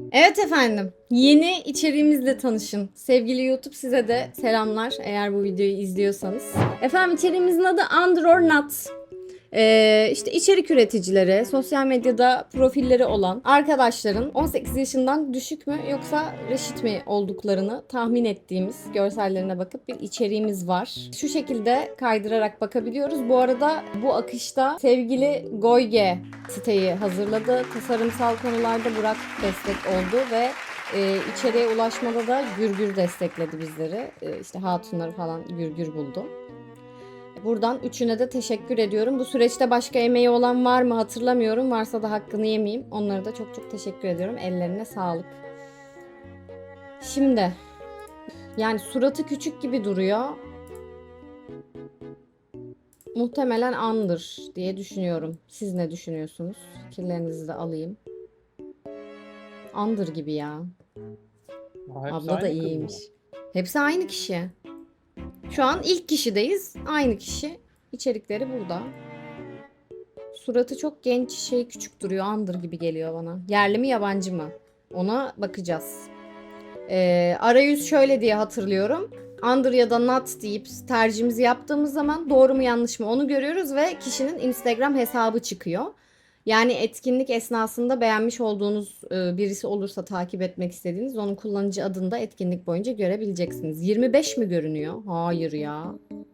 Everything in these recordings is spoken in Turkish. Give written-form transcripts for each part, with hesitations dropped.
Evet efendim, yeni içeriğimizle tanışın. Sevgili YouTube size de selamlar eğer bu videoyu izliyorsanız. Efendim içeriğimizin adı Under or Not. İşte içerik üreticileri, sosyal medyada profilleri olan arkadaşların 18 yaşından düşük mü yoksa reşit mi olduklarını tahmin ettiğimiz görsellerine bakıp bir içeriğimiz var. Şu şekilde kaydırarak bakabiliyoruz. Bu arada bu akışta sevgili Goyge siteyi hazırladı. Tasarımsal konularda Burak destek oldu ve içeriye ulaşmada da Gürgür destekledi bizleri. İşte hatunları falan Gürgür buldu. Buradan üçüne de teşekkür ediyorum. Bu süreçte başka emeği olan var mı hatırlamıyorum. Varsa da hakkını yemeyeyim. Onlara da çok çok teşekkür ediyorum. Ellerine sağlık. Şimdi yani suratı küçük gibi duruyor. Muhtemelen andır diye düşünüyorum. Siz ne düşünüyorsunuz? Fikirlerinizi de alayım. Andır gibi ya. Hepsi Abla da aynı kız mı? iyiymiş. Hepsi aynı kişi. Şu an ilk kişideyiz. Aynı kişi. İçerikleri burada. Suratı çok genç, küçük duruyor. Andır gibi geliyor bana. Yerli mi yabancı mı? Ona bakacağız. Arayüz şöyle diye hatırlıyorum. Under ya da not deyip tercihimizi yaptığımız zaman doğru mu yanlış mı onu görüyoruz ve kişinin Instagram hesabı çıkıyor. Yani etkinlik esnasında beğenmiş olduğunuz birisi olursa takip etmek istediğiniz onun kullanıcı adını da etkinlik boyunca görebileceksiniz. 25 mi görünüyor? Hayır ya.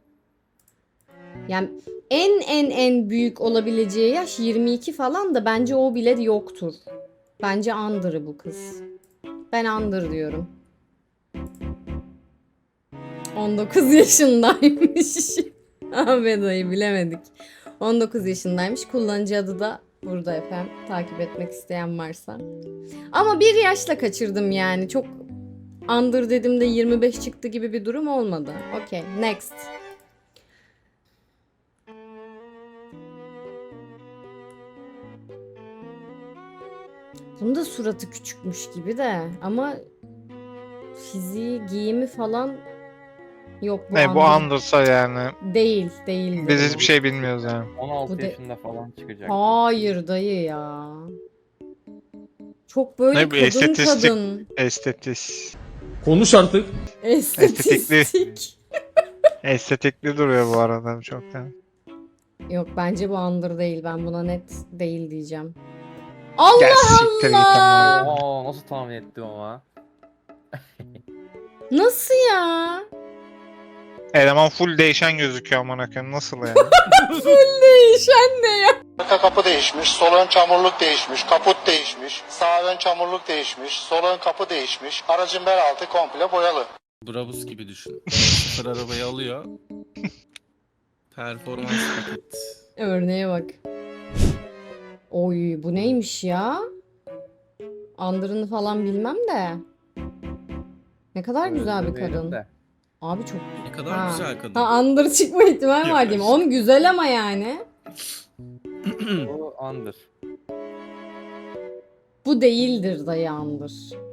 Yani en büyük olabileceği yaş 22 falan da bence o bile yoktur. Bence Under'ı bu kız. Ben Under diyorum. 19 yaşındaymış. Ahmet dayı bilemedik. 19 yaşındaymış. Kullanıcı adı da burada efendim. Takip etmek isteyen varsa. Ama bir yaşla kaçırdım yani. Çok Under dedim de 25 çıktı gibi bir durum olmadı. Okey, next. Bunun da suratı küçükmüş gibi de ama fiziği, giyimi falan yok bu Ne bu Under. andırsa yani. Değildir Biz bu. hiçbir şey bilmiyoruz yani. 16 Bu de- yaşında falan çıkacak. Hayır dayı ya. Çok böyle Ne bu estetistik kadın. estetis. Konuş artık. Estetistik. Estetikli duruyor bu arada çok yani. Yok bence bu Under değil. Ben buna net değil diyeceğim. Gel Allah siktir git Allah! ama. Oo, nasıl tahmin ettim ama. Nasıl ya? Eleman full değişen gözüküyor amına koyayım nasıl yani? Değişen ne ya? Arka kapı değişmiş, sol ön çamurluk değişmiş, kaput değişmiş, sağ ön çamurluk değişmiş, sol ön kapı değişmiş, aracın bel altı komple boyalı. Brabus gibi düşün. Sıfır arabayı alıyor. Performans paket. Örneğe bak. Oy bu neymiş ya? Under'ını falan bilmem de. Ne kadar güzel bir Öyle kadın. de. Abi çok... Ne kadar Ha. güzel kadın. Ha Under çıkma ihtimali var diyeyim. Onun güzel ama yani. Bu Under. Bu değildir dayı Under.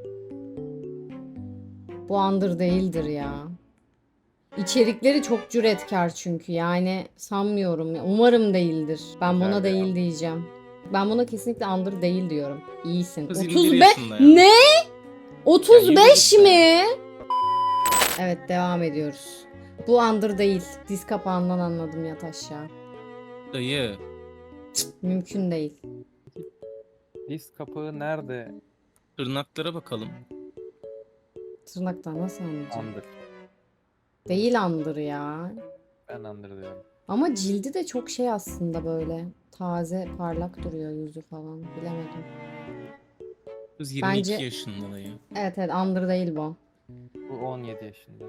Bu Under değildir ya. İçerikleri çok cüretkar çünkü yani sanmıyorum. Umarım değildir. Ben buna Güzel değil ya. diyeceğim. Ben buna kesinlikle Under değil diyorum. İyisin. Kız 21 35 yaşında ya. ne? 35 Ya, mi? Evet devam ediyoruz. Bu Under değil. Diz kapağından anladım yat aşağı. Dayı. Mümkün değil. Disk kapağı nerede? Tırnaklara bakalım. Tırnaktan nasıl anlayacağım? Under. Değil Under ya. Ben Under diyorum. Ama cildi de çok şey aslında böyle. Taze, parlak duruyor yüzü falan. Bilemedim. Kız 22 Bence- yaşında dayı. Evet Under değil bu. Bu 17 yaşında.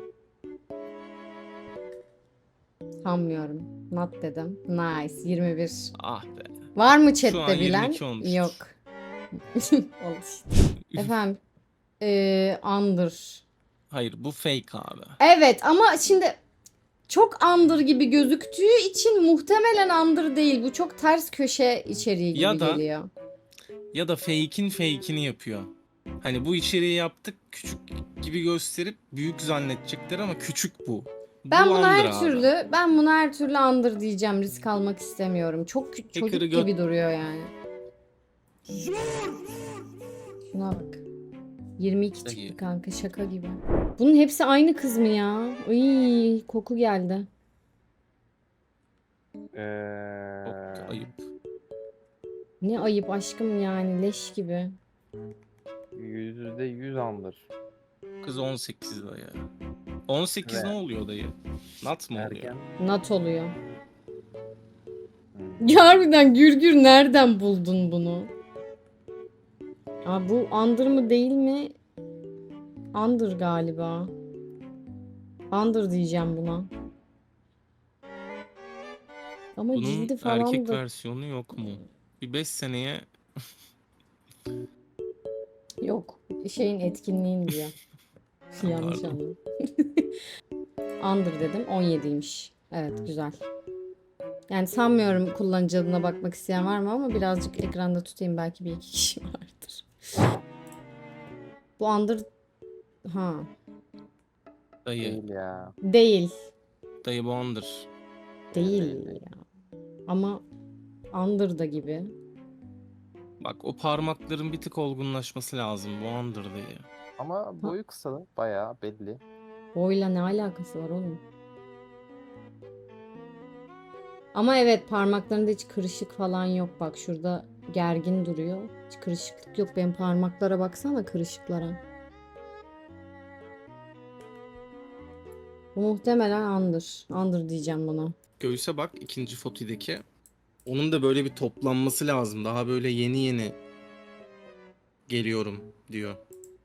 Sanmıyorum. Not dedim. Nice. 21. Ah be. Var mı Şu an chatte bilen? 22 olmuştur. Yok. Oldu işte. Efendim. Under. Hayır bu fake abi. Evet ama şimdi çok Under gibi gözüktüğü için muhtemelen Under değil. Bu çok ters köşe içeriği gibi Ya da- geliyor. Ya da fake'ini yapıyor. Hani bu içeriği yaptık küçük gibi gösterip büyük zannedecekler ama küçük bu. Ben Bu bunu Under her abi. türlü Under diyeceğim. Risk almak istemiyorum. Çok çocuk Hacker'ı gibi duruyor yani. Şuna bak. 22 Dayı. çıktı kanka, şaka gibi. Bunun hepsi aynı kız mı ya? Iy, koku geldi. Çok da ayıp. Ne ayıp aşkım yani, leş gibi. %100 Under. Kız 18 dayı. 18 Ve- ne oluyor dayı? Nat mı oluyor? Erken. Nat oluyor. Hmm. Ya harbiden Gürgür, nereden buldun bunu? Aa, bu Under mı değil mi? Under galiba. Under diyeceğim buna. Ama Bunun cildi falan erkek da versiyonu yok mu? Bir 5 seneye yok. Şeyin etkinliğin diyor. Yanlış Pardon. anladım. Under dedim. 17'ymiş. Evet, güzel. Yani sanmıyorum kullanıcı adına bakmak isteyen var mı, ama birazcık ekranda tutayım, belki bir iki kişi vardır. Bu Under ha dayı. Değil ya. değil. Dayı bu Under. Değil ya. Ama Under da gibi. Bak o parmakların bir tık olgunlaşması lazım. Bu Under dayı. Ama boyu kısa. Bayağı belli. Boyla ne alakası var oğlum? Ama evet, parmaklarında hiç kırışık falan yok. Bak şurada gergin duruyor. Hiç kırışıklık yok. Benim parmaklara baksana, kırışıklara. Bu muhtemelen Under. Under diyeceğim buna. Göğüse bak ikinci fotodaki. Onun da böyle bir toplanması lazım. Daha böyle yeni yeni geliyorum diyor.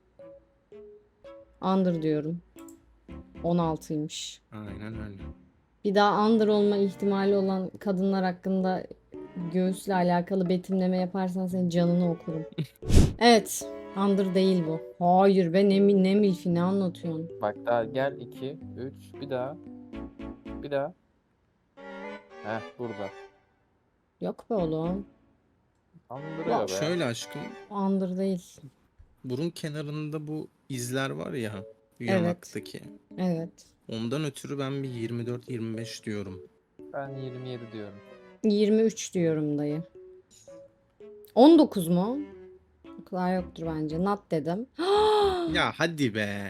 Under diyorum. 16'ymış. Aynen öyle. Bir daha under olma ihtimali olan kadınlar hakkında göğüsle alakalı betimleme yaparsan senin canını okurum. Evet. Under değil bu. Hayır be, ne milfi, ne anlatıyorsun? Bak daha gel 2, 3, bir daha. Bir daha. Heh burada. Yok be oğlum. Andırıyor be. Şöyle aşkım. Under değil. Burun kenarında bu izler var ya. Evet. Yanaktaki. Evet. Ondan ötürü ben bir 24-25 diyorum. Ben 27 diyorum. 23 diyorum dayı. 19 mu? O kadar yoktur bence. Not dedim. Ya hadi be.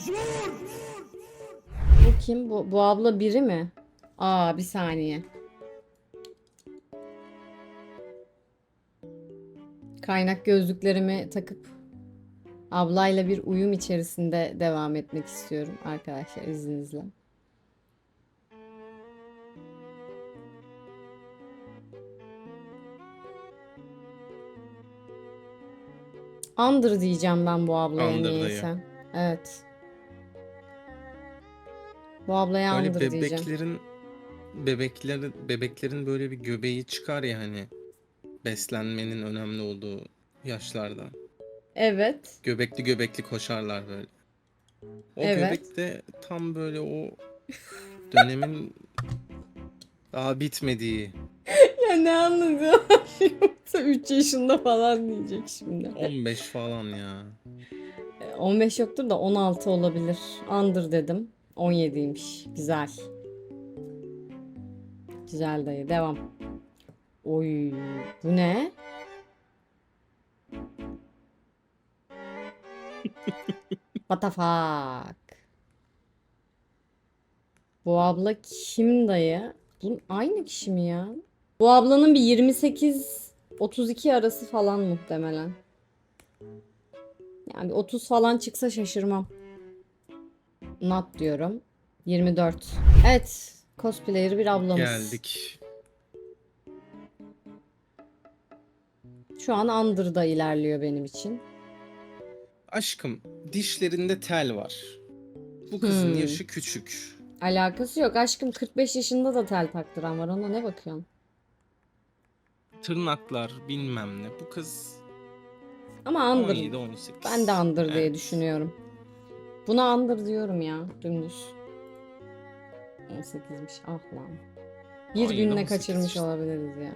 Bu kim? Bu abla biri mi? Aa, bir saniye. Kaynak gözlüklerimi takıp ablayla bir uyum içerisinde devam etmek istiyorum arkadaşlar, izninizle. Under diyeceğim ben bu ablaya, Under dayı. niyeyse. Evet. Bu ablaya Böyle Under diyeceğim. bebeklerin böyle bir göbeği çıkar ya hani. Beslenmenin önemli olduğu yaşlarda. Evet. Göbekli koşarlar böyle. O Evet. göbek de tam böyle o dönemin daha bitmediği Ya ne anlatıyor? Yoksa 3 yaşında falan diyecek şimdi. 15 falan ya. 15 yoktur da 16 olabilir. Under dedim. 17'ymiş. Güzel. Güzel dayı. Devam. Oy, bu ne? What the fuck? Bu abla kim dayı? Bu aynı kişi mi ya? Bu ablanın bir 28-32 arası falan muhtemelen. Yani bir 30 falan çıksa şaşırmam. Not diyorum. 24. Evet. Cosplayer bir ablamız. Geldik. Şu an Under'da ilerliyor benim için. Aşkım dişlerinde tel var. Bu kızın Hmm. yaşı küçük. Alakası yok. Aşkım 45 yaşında da tel taktıran var. Ona ne bakıyorsun? Tırnaklar bilmem ne. Bu kız Ama Under. 17-18. Ben de Under diye Evet. düşünüyorum. Buna Under diyorum ya. Dümdüz. 18'miş. Ah lan. Bir Hayır, günle 18 kaçırmış işte. olabiliriz yani.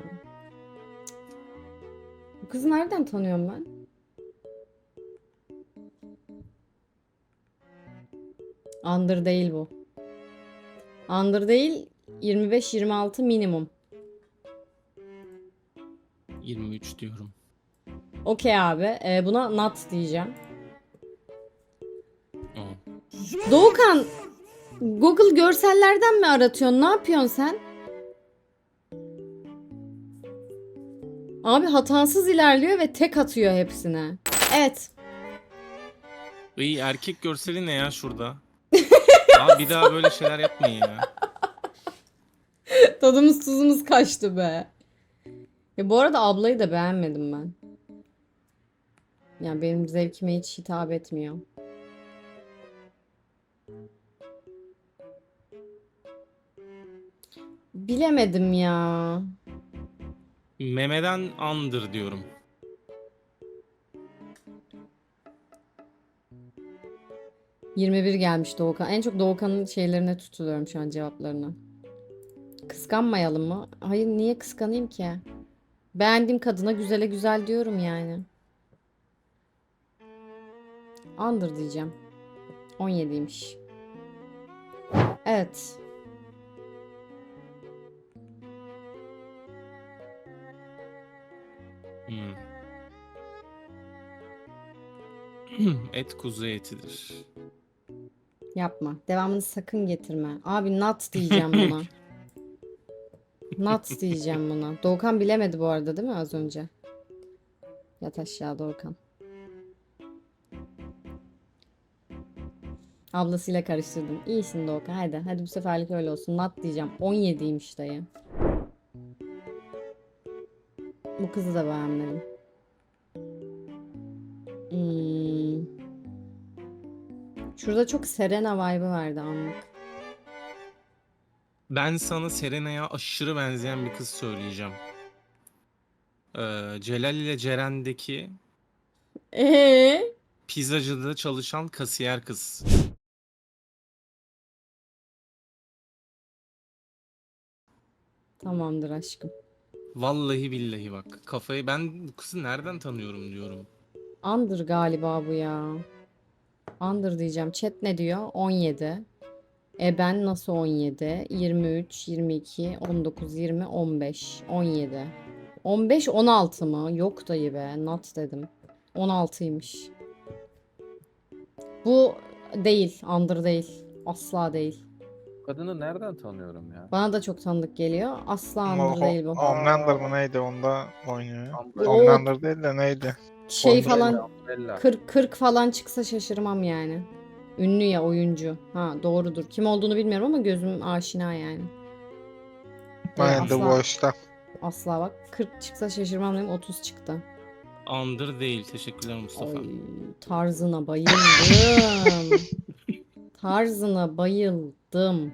Bu kızı nereden tanıyorum ben? Under değil bu. Under değil. 25-26 minimum. 23 diyorum. Okey abi. Buna not diyeceğim. Aa. Doğukan, Google görsellerden mi aratıyorsun? Ne yapıyorsun sen? Abi hatasız ilerliyor ve tek atıyor hepsine. Evet. İyi erkek görseli ne ya şurada? Abi bir daha böyle şeyler yapmayın ya. Tadımız tuzumuz kaçtı be. Ya bu arada ablayı da beğenmedim ben. Ya benim zevkime hiç hitap etmiyor. Bilemedim ya. Memeden andır diyorum. ...21 gelmiş Doğukan. En çok Doğukan'ın şeylerine tutuluyorum şu an, cevaplarına. Kıskanmayalım mı? Hayır, niye kıskanayım ki? Beğendiğim kadına güzele güzel diyorum yani. Andır diyeceğim. 17'ymiş. Evet. Hmm. Et kuzu etidir. Yapma. Devamını sakın getirme. Abi nut diyeceğim buna. Nut diyeceğim buna. Doğukan bilemedi bu arada değil mi az önce? Yat aşağı Doğukan. Ablasıyla karıştırdım. İyisin Doğukan. Hadi. Hadi bu seferlik öyle olsun. Nut diyeceğim. 17'ymiş dayı. Bu kızı da beğenmedim. Hmm. Şurada çok Serena vibe'ı vardı anlık. Ben sana Serena'ya aşırı benzeyen bir kız söyleyeceğim. Celal ile Ceren'deki pizzacıda çalışan kasiyer kız. Tamamdır aşkım. Vallahi billahi bak. Kafayı ben bu kızı nereden tanıyorum diyorum. Andır galiba bu ya. Andır diyeceğim. Chat ne diyor? 17. Ben nasıl 17? 23, 22, 19, 20, 15, 17. 15, 16 mı? Yok dayı be. Not dedim. 16'ymış. Bu değil. Andır değil. Asla değil. Kadını nereden tanıyorum ya? Bana da çok tanıdık geliyor. Asla Ama Andır değil bu. Homelander mı neydi onda oynuyor. O Homelander değil de neydi? şey Umbrella, falan Bella. 40 falan çıksa şaşırmam yani. Ünlü ya, oyuncu. Ha doğrudur. Kim olduğunu bilmiyorum ama gözüm aşina yani. Aynen The asla, Voice'da. asla bak 40 çıksa şaşırmam dedim, 30 çıktı. Andır değil. Teşekkürler Mustafa. Ay, tarzına bayıldım. Tarzına bayıldım.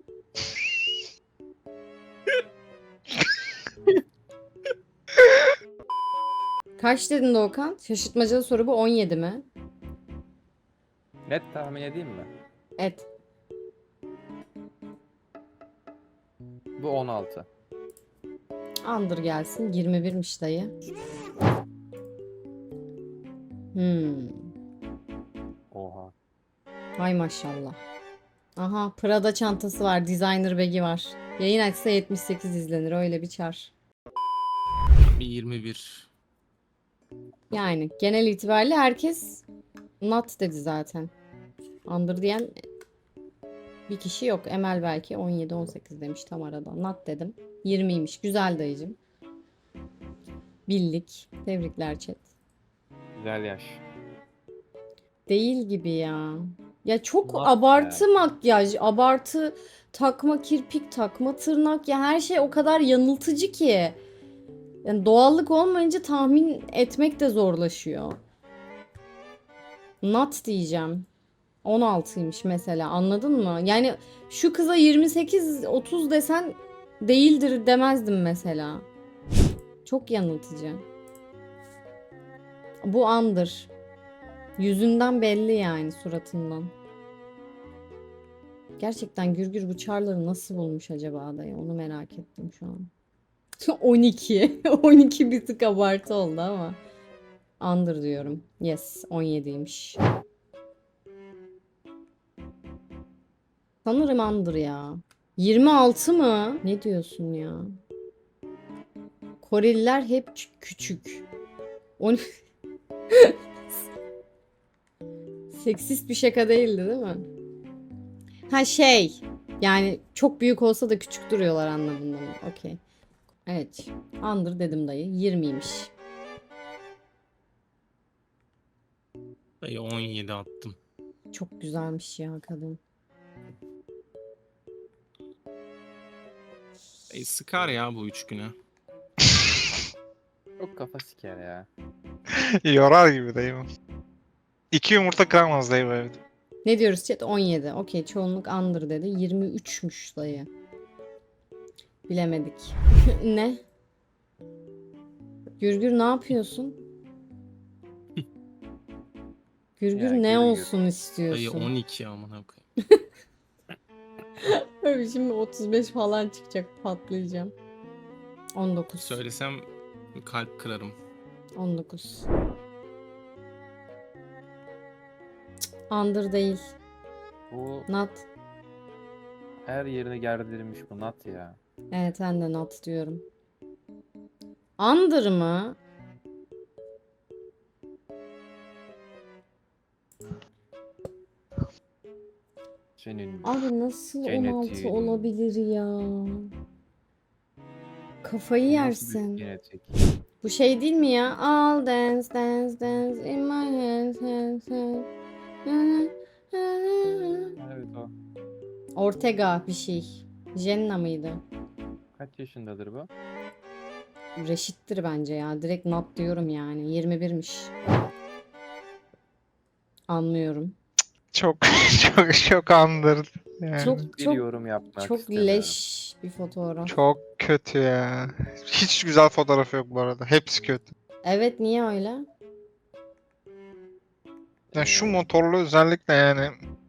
Kaç dedin Doğukan? Şaşırtmacalı soru bu, 17 mi? Net tahmin edeyim mi? Et. Bu 16. Andır gelsin. 21'miş dayı. Oha. Hay maşallah. Aha, Prada çantası var. Designer bag'i var. Yayın açsa 78 izlenir. Öyle bir çar. Bir 21. Yani genel itibariyle herkes not dedi zaten. Andır diyen bir kişi yok. Emel belki 17-18 demiş tam arada. Not dedim. 20'ymiş. Güzel dayıcım. Bildik. Tebrikler chat. Güzel yaş. Değil gibi ya. Ya çok Not abartı makyaj, abartı takma kirpik, takma tırnak, ya her şey o kadar yanıltıcı ki. Yani doğallık olmayınca tahmin etmek de zorlaşıyor. Not diyeceğim. 16'ymış mesela, anladın mı? Yani şu kıza 28-30 desen değildir demezdim mesela. Çok yanıltıcı. Bu andır. Yüzünden belli yani, suratından. Gerçekten Gürgür bu çarları nasıl bulmuş acaba dayı? Onu merak ettim şu an. 12. 12 bir tık abartı oldu ama. Andır diyorum. Yes, 17'ymiş. Sanırım andır ya. 26 mı? Ne diyorsun ya? Koreliler hep küçük. Seksist bir şaka değildi değil mi? Ha şey. Yani çok büyük olsa da küçük duruyorlar anlamında mı? Okey. Evet. Under dedim dayı. 20'ymiş. Dayı 17 attım. Çok güzelmiş ya kadın. Dayı sıkar ya bu 3 güne. Çok kafa siker ya. Yorar gibi dayı bu. 2 yumurta kıramaz dayı bu evde. Ne diyoruz chat? 17. Okey. Çoğunluk under dedi. 23'müş dayı. Bilemedik. Ne? Gürgür ne yapıyorsun? Gürgür Ya, ne Gürgür. olsun Dayı istiyorsun? 12 amına koyayım. Abi şimdi 35 falan çıkacak, patlayacağım. 19. Söylesem kalp kırarım. 19. Under değil. Bu Not. her yerine gerdirilmiş bu nat ya. Evet ben de not diyorum. Under mı? Senin Abi nasıl Cennet 16 yiyelim. olabilir ya? Kafayı nasıl bir yersin. genetik? Bu şey değil mi ya? All dance dance dance in my hands hands hands. Evet o. Ortega bir şey. Jenna mıydı? Kaç yaşındadır bu? Reşit'tir bence ya. Direkt not diyorum yani. 21'miş. Anlıyorum. Çok çok andırdı. Yani. Çok Bir çok yorum yapmak çok istemiyorum. leş bir fotoğraf. Çok kötü ya. Hiç güzel fotoğrafı yok bu arada. Hepsi kötü. Evet niye öyle? Yani şu motorlu özellikle yani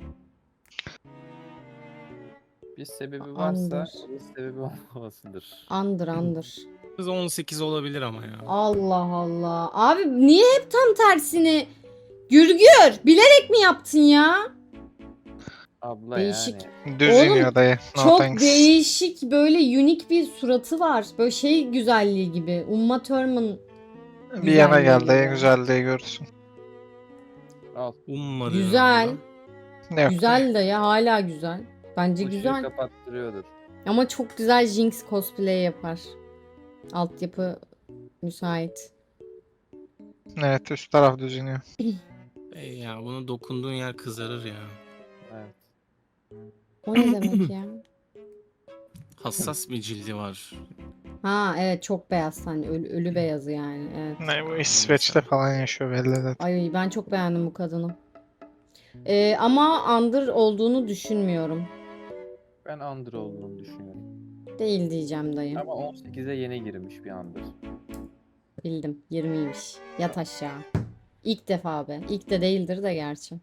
Bir sebebi Andır. varsa bir sebebi olmamasıdır. Andır. Kız 18 olabilir ama ya. Allah Allah. Abi niye hep tam tersini? Gürgür bilerek mi yaptın ya? Abla Değişik. yani. düz Oğlum, iniyor dayı. No Çok thanks. değişik böyle unik bir suratı var. Böyle şey güzelliği gibi. Uma Thurman Bir yana güzelliği gel dayı gibi. güzelliği görürsün. Al. Ummadım. Güzel. Ne yok. Güzel de ya hala güzel. Bence Işığı güzel. kapattırıyordur. Ama çok güzel Jinx cosplay yapar. Altyapı müsait. Evet üst taraf düz iniyor. Ya bunu dokunduğun yer kızarır ya. Evet. O ne demek ya? Hassas bir cildi var. Ha evet çok beyaz hani ölü beyazı yani. Evet. Ne bu İsveç'te falan yaşıyor belli zaten. Ay ben çok beğendim bu kadını. Ama under olduğunu düşünmüyorum. Ben Under olduğunu düşünüyorum. Değil diyeceğim dayı. Ama 18'e yeni girmiş bir Under. Bildim. 20'ymiş. Yat aşağı. İlk defa be. İlk de değildir de gerçi.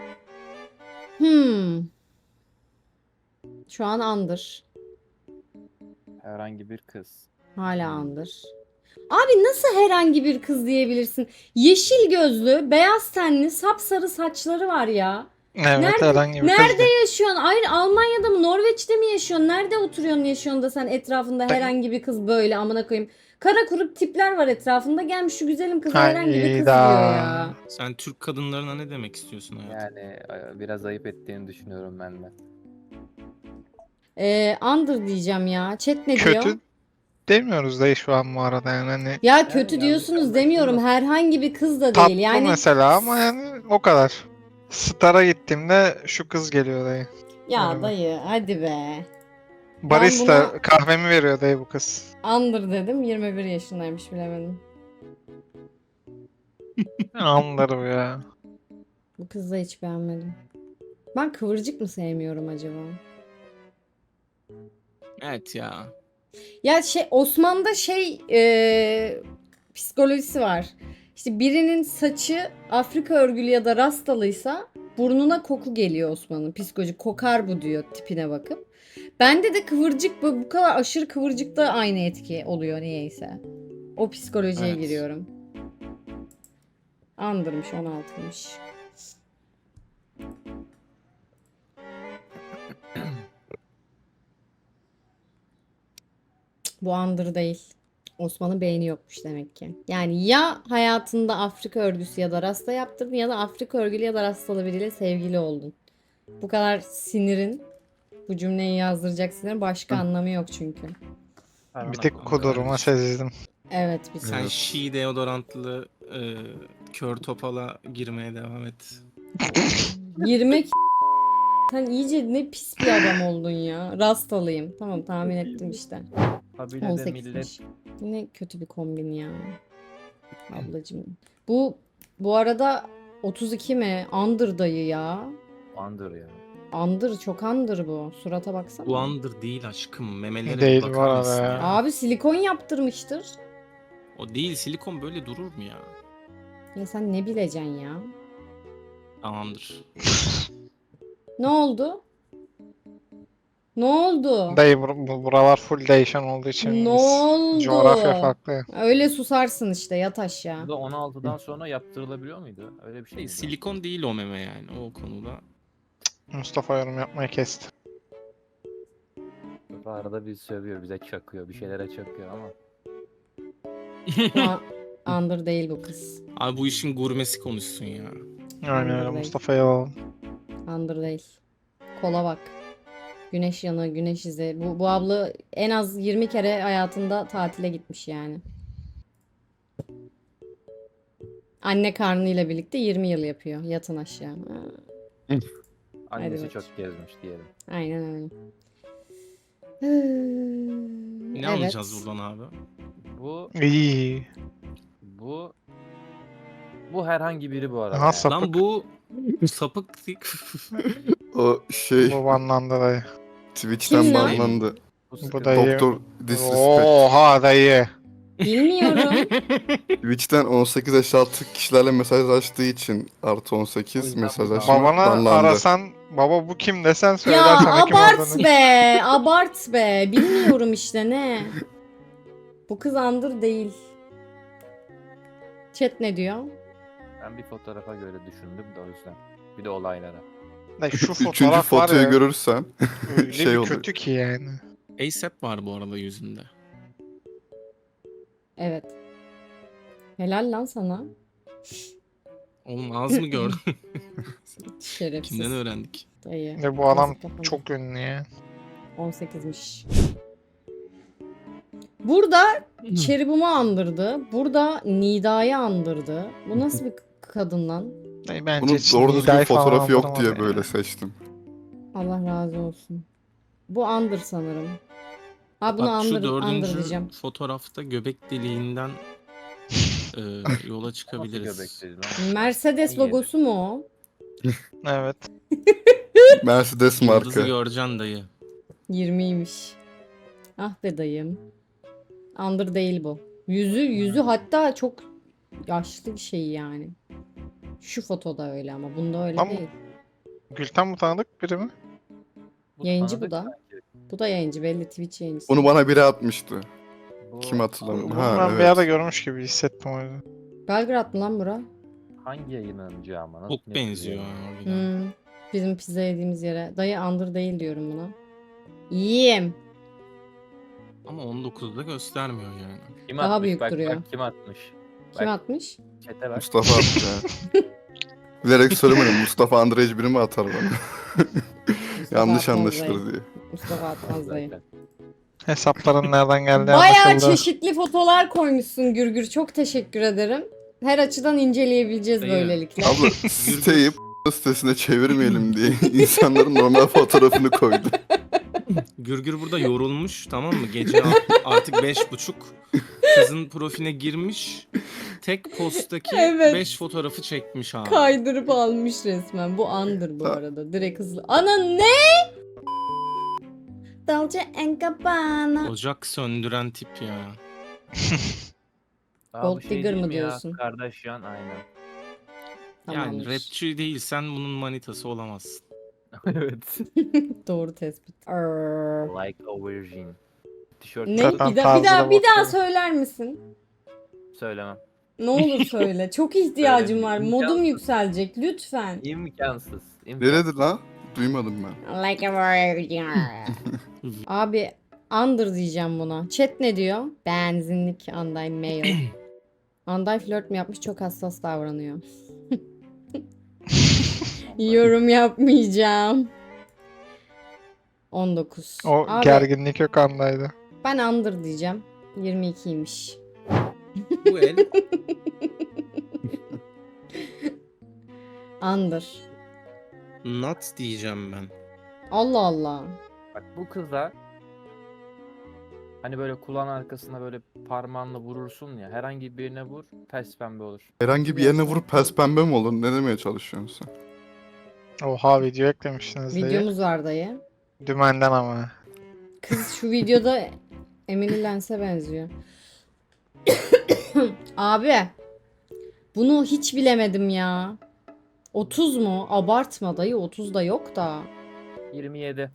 Şu an under. Herhangi bir kız. Hala under. Abi nasıl herhangi bir kız diyebilirsin? Yeşil gözlü, beyaz tenli, sapsarı saçları var ya. Evet herhangi bir kız Nerede değil. yaşıyorsun? Ayrı Almanya'da mı, Norveç'te mi yaşıyorsun? Nerede oturuyorsun, yaşıyorsun da sen etrafında herhangi bir kız böyle amına koyayım. Kara kurup tipler var etrafında. Gelmiş şu güzelim kıza herhangi bir kız Hayda. diyor ya. Sen Türk kadınlarına ne demek istiyorsun hayatım? Yani biraz ayıp ettiğini düşünüyorum ben de. Under diyeceğim ya. Chat ne diyor? Kötü demiyoruz dayı şu an bu arada yani hani Ya kötü Yani diyorsunuz yanlış demiyorum. anlaşılmasın. Herhangi bir kız da tatlı değil. Yani mesela ama yani o kadar. Star'a gittiğimde şu kız geliyor dayı. ya Merhaba. dayı hadi be. Barista buna- kahvemi veriyor dayı bu kız. Under dedim. 21 yaşındaymış bilemedim. Anlarım ya. Bu kızı da hiç beğenmedim. Ben kıvırcık mı sevmiyorum acaba? Evet ya. Ya şey Osman'da şey psikolojisi var. İşte birinin saçı Afrika örgülü ya da rastalıysa burnuna koku geliyor Osman'ın. Psikolojik kokar bu diyor tipine bakıp. Bende de kıvırcık bu kadar aşırı kıvırcıkta aynı etki oluyor niyeyse. O psikolojiye Evet. giriyorum. Andırmış 16'mış. Bu andır değil. Osman'ın beyni yokmuş demek ki. Yani ya hayatında Afrika örgüsü ya da rasta yaptırdın ya da Afrika örgülü ya da rastalı biriyle sevgili oldun. Bu kadar sinirin, bu cümleyi yazdıracak sinirin başka anlamı yok çünkü. Bir tek kuduruma sezdim. Evet bir Sen saniye. Şii deodorantlı kör topala girmeye devam et. Girmek sen iyice ne pis bir adam oldun ya. Rastalıyım. Tamam tahmin ettim işte. Kabilede 18'miş. millet Yine kötü bir kombin ya. Ablacığım. Bu arada 32 mi? Under dayı ya. andır ya. Under çok under bu. Surata baksana. Bu andır değil aşkım. Memelere Değil bir bu bakar arada mısın ya. ya? Abi silikon yaptırmıştır. O değil, silikon böyle durur mu ya? Ya sen ne bileceksin ya? Tamamdır. Ne oldu? Ne oldu? Dayı buralar full değişen olduğu için Ne biz- oldu? coğrafya farklı. Öyle susarsın işte yat aşağı. Bu da 16'dan sonra yaptırılabiliyor muydu? Öyle bir şey miydi? Silikon değil o meme yani o konuda. Mustafa yorum yapmayı kesti. Bu arada bizi sövüyor, bize çakıyor, bir şeylere çakıyor ama. Under değil bu kız. Abi bu işin gurmesi konuşsun ya. Aynen öyle Anladım. Mustafa'yı alalım. Under değil. Kola bak. Güneş yanığı, güneş izi. Bu abla en az 20 kere hayatında tatile gitmiş yani. Anne karnıyla birlikte 20 yıl yapıyor. Yatın aşağı. Ha, Annesi Hadi çok gezmiş diyelim. aynen öyle. Ne Evet. anlayacağız buradan abi? Bu İyi. bu bu herhangi biri bu arada. Aha yani. sapık. Lan bu sapık O şey Bu banlandı dayı. Twitch'ten Kim lan? banlandı. Bu Bu sıkıntı. dayı. Doktor Disrespect. Oha dayı. Bilmiyorum. Twitch'ten 18 yaş altı kişilerle mesajlaştığı için artı O 18 yüzden mesajlaşma Babana banlandı. arasan baba bu kim desen Ya söyler sana kim abart olduğunu. be. Abart be. Bilmiyorum işte ne. Bu kız Under değil. Chat ne diyor? Ben bir fotoğrafa göre düşündüm de o yüzden. Bir de olaylara. Dayı şu Üçüncü fotoğraf var fotoyu ya görürsen öyle şey bir oluyor. kötü ki yani. ASAP var bu arada yüzünde. Evet. Helal lan sana. Oğlum az mı gördün? Şerefsiz. Kimden öğrendik? Dayı. Ve bu adam Nasıl kafanı? çok ünlü ya. 18'miş. Burada Cherubim'i andırdı. Burada Nida'yı andırdı. Bu nasıl bir kadın lan? Dayı bence bunun hiç doğru düzgün Nida'yı falan fotoğrafı yok andırmadı diye ya. böyle seçtim. Allah razı olsun. Bu andır sanırım. Ha bunu Bak şu andıracağım. dördüncü fotoğrafta göbek deliğinden yola Nasıl çıkabiliriz. göbekleri lan? Mercedes İyi. logosu mu o? Evet. Mercedes Yıldızı marka. göreceksin dayı. 20'ymiş. Ah be dayım. Andır değil bu. Yüzü hatta çok yaşlı bir şey yani. Şu fotoda öyle ama bunda öyle Ama- değil. Gülten bu tanıdık biri mi? Yayıncı bu tanıdık da. sanki. Bu da yayıncı belli Twitch yayıncısı. Bunu bana biri atmıştı. Bu Kim hatırlamıyor? Bunu Ha ben bir evet. yerde görmüş gibi hissettim o yüzden. Belgrad mı lan bura? hangi yayınlanıcı ama? Çok net benziyor biliyorum. harbiden. Bizim pizza yediğimiz yere. Dayı andır değil diyorum buna. Yiyeyim. Ama 19'da göstermiyor yani. Kim Daha atmış? büyük Bak, duruyor. Bak, kim atmış? Kim Bak. atmış? Çete bak. Mustafa attı ya. Bilerek söylemedim. Mustafa Andrej biri mi atar bana? Mustafa Yanlış atmaz anlaşılır dayı. diye. Mustafa atmaz dayı. Zaten. Hesapların nereden geldiği Bayağı anlaşıldı. çeşitli fotolar koymuşsun Gürgür. Çok teşekkür ederim. Her açıdan inceleyebileceğiz Dayı. böylelikle. Abla siteyi sitesine çevirmeyelim diye insanların normal fotoğrafını koydu. Gürgür burada yorulmuş tamam mı? Gece artık 5:30. Kızın profiline girmiş. Tek posttaki Evet. 5 fotoğrafı çekmiş abi. Kaydırıp almış resmen. Bu andır bu Ha. arada. Direkt hızlı. Ana ne? Dolce Gabbana. Ocak söndüren tip ya. Aa, Gold bu şey Digger değil mı mi ya? diyorsun? Kardashian aynen. Yani Tamammış. rapçi değilsen bunun manitası olamazsın. Evet. Doğru tespit. Arr. Like a virgin. Tişört Ne? Zaten Bir daha tarzına bir daha bakıyorum. söyler misin? söylemem. Ne olur söyle. Çok ihtiyacım var. Söyleyeyim. Modum yükselecek. Lütfen. İmkansız. Neredir lan? Duymadım ben. Like a virgin. Abi Under diyeceğim buna. Chat ne diyor? Benzinlik Anday mail. Anday flört mü yapmış? Çok hassas davranıyor. Yorum yapmayacağım. 19. O Abi, gerginlik yok andaydı. ben under diyeceğim. 22'ymiş. Bu el Under. nut diyeceğim ben. Allah Allah. Bak bu kıza hani böyle kulağın arkasına böyle parmağınla vurursun ya. Herhangi birine vur, pes pembe olur. Herhangi bir yerine vurup pes pembe mi olur? Ne demeye çalışıyorsun sen? Oha video eklemişsiniz dayı. Videomuz var dayı. Dümenden ama. Kız şu videoda Emily Lens'e benziyor. Abi. Bunu hiç bilemedim ya. 30 mu? Abartma dayı. 30 da yok da. 27.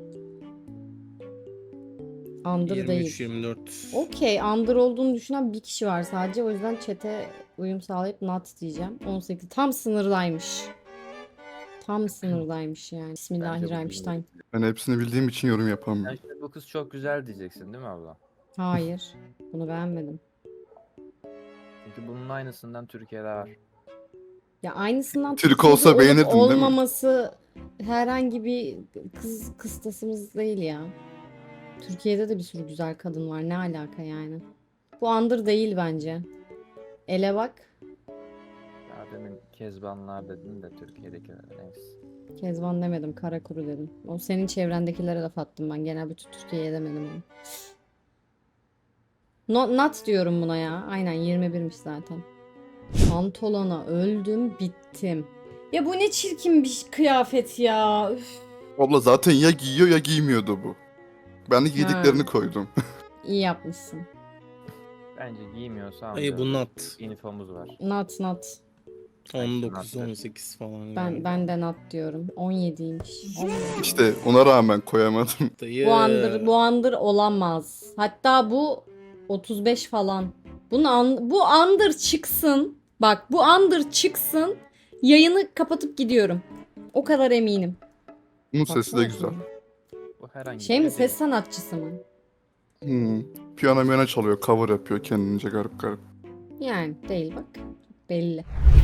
Under değil. 23-24. Okey. Under olduğunu düşünen bir kişi var sadece. O yüzden chat'e uyum sağlayıp not diyeceğim. 18. Tam sınırdaymış. Tam sınırdaymış yani. Bismillahirrahmanirrahim. Ben hepsini bildiğim için yorum Sen yapamıyorum. şimdi bu kız çok güzel diyeceksin değil mi abla? Hayır. Bunu beğenmedim. Çünkü bunun aynısından Türkiye'de var. Ya aynısından Türk Türkiye'de olsa olup beğenirdin, değil mi? olmaması herhangi bir kız kıstasımız değil ya. Türkiye'de de bir sürü güzel kadın var. Ne alaka yani? Bu under değil bence. Ele bak. Ya demin Kezbanlar dedin de Türkiye'dekiler neyse. Kezban demedim. Karakuru dedim. O senin çevrendekilere laf attım ben. Genel bütün Türkiye'ye demedim onu. Not diyorum buna ya. Aynen 21'miş zaten. Pantolona öldüm bittim. Ya bu ne çirkin bir kıyafet ya. Üf. Abla zaten ya giyiyor ya giymiyordu bu. Ben de giydiklerini koydum. İyi yapmışsın. Bence giymiyorsa Hayır bu nut. Uniformumuz var. Not. 19-18 falan. Ben de not diyorum. 17'ymiş. 17. İşte ona rağmen koyamadım. Dayı. Bu under olamaz. Hatta bu 35 falan. Bu under çıksın. Bak bu under çıksın. Yayını kapatıp gidiyorum. O kadar eminim. Bunun sesi de güzel. Bu herhangi Şey mi, biri ses değil. sanatçısı mı? Piyano miyano çalıyor, cover yapıyor kendince garip garip. Yani değil bak. Belli.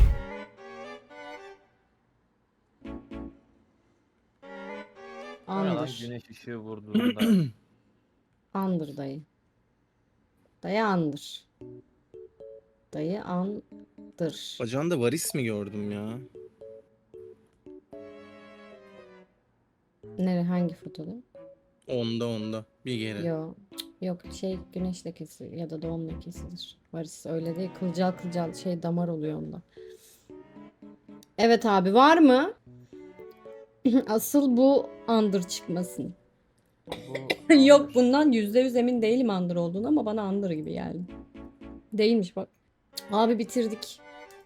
O ne lan? Under. Güneş ışığı vurduğunda Under dayı. Dayı under. Dayı under. Bacağında varis mi gördüm ya? Nere hangi fotoda? Onda. Bir kere. Yok şey güneş lekesi ya da doğum lekesidir. Varis öyle değil. Kılcal şey damar oluyor onda. Evet abi var mı? Asıl bu under çıkmasın. bu Yok bundan %100 emin değilim under olduğunu ama bana under gibi geldi. Değilmiş bak. Abi bitirdik.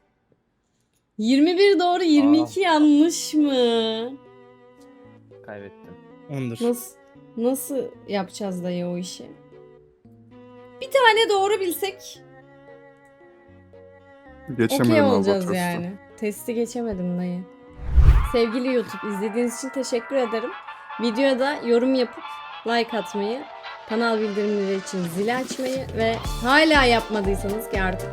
21 doğru 22 yanlış mı? kaybettim. Ondur. Nasıl yapacağız dayı o işi? Bir tane doğru bilsek Geçemiyorum okey abi olacağız Albatros'ta. yani. Testi geçemedim dayı. Sevgili YouTube izlediğiniz için teşekkür ederim. Videoya da yorum yapıp like atmayı, kanal bildirimleri için zili açmayı ve hala yapmadıysanız ki artık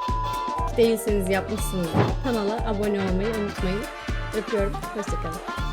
değilseniz yapmışsınızdır. Kanala abone olmayı unutmayın. Öpüyorum. Hoşçakalın.